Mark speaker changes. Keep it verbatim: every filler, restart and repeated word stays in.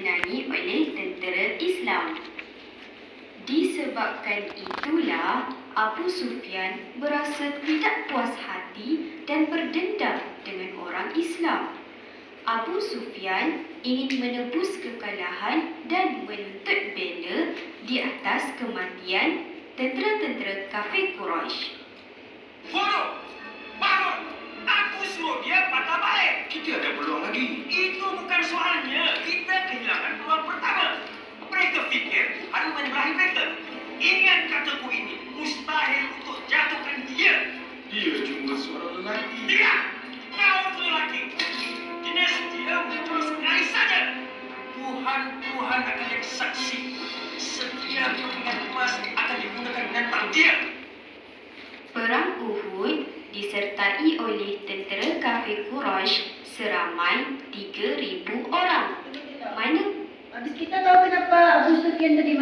Speaker 1: dimenangi oleh tentera Islam. Disebabkan itulah, Abu Sufyan berasa tidak puas hati dan berdendam dengan orang Islam. Abu Sufyan ingin menebus kekalahan dan menuntut bela di atas kematian tentera-tentera kafir Quraisy.
Speaker 2: Bodoh! Bangun! Aku suruh dia patah balik!
Speaker 3: Kita ada peluang lagi.
Speaker 2: Itu bukan soalnya. Kita kehilangan peluang pertama. Mereka fikir ada menyebelahi mereka. Ingat kataku ini, mustahil untuk jatuhkan dia.
Speaker 3: Dia cuma seorang lelaki.
Speaker 2: Tidak! Kau tu lelaki. Jenis dia muncul sekali saja. Tuhan-Tuhan akan jadi saksi. Setiap kepingan emas akan digunakan menentang dia.
Speaker 1: Perang Uhud disertai oleh tentera kafir Quraisy seramai tiga ribu orang. Mana
Speaker 4: Habis kita tahu kenapa Abu Sufyan tadi